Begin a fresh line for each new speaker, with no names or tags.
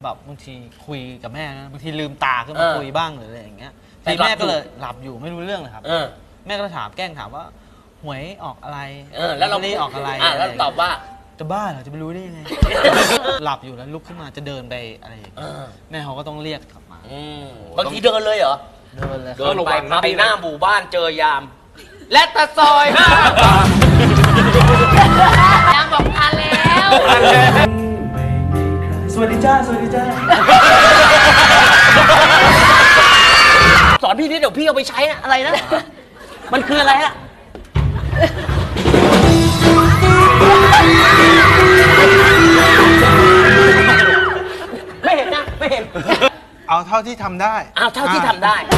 แบบบางทีคุยกับแม่นะบางทีลืมตาขึ้นมาคุยบ้างหรืออะไรอย่างเงี้ยแต่แม่ก็เลยหลับอยู่ไม่รู้เรื่องเลยครับแม่ก็ถามแกล้งถามว่าหวยออกอะไร
แล้วเรา
ออกอะไร
แล้วตอบว่า
จะบ้าเหรอจะไปรู้ได้ยังไงหลับอยู่แล้วลุกขึ้นมาจะเดินไปอะไรอย่างเงี้ยแม่เขาก็ต้องเรียกกลับมา
บางทีเดินเลยเหรอ
เดินเลย
เดินไปหน้าหมู่บ้านเจอยามและตะซอยยามบอกทันแล้ว
สวัสดีจ้าสวัสดีจ้า
สอนพี่นิดเดี๋ยวพี่เอาไปใช้อะไรนะมันคืออะไรฮะไม่เห็นนะไม่เห็น
เอาเท่าที่ทำได้
เอาเท่าที่ทำได้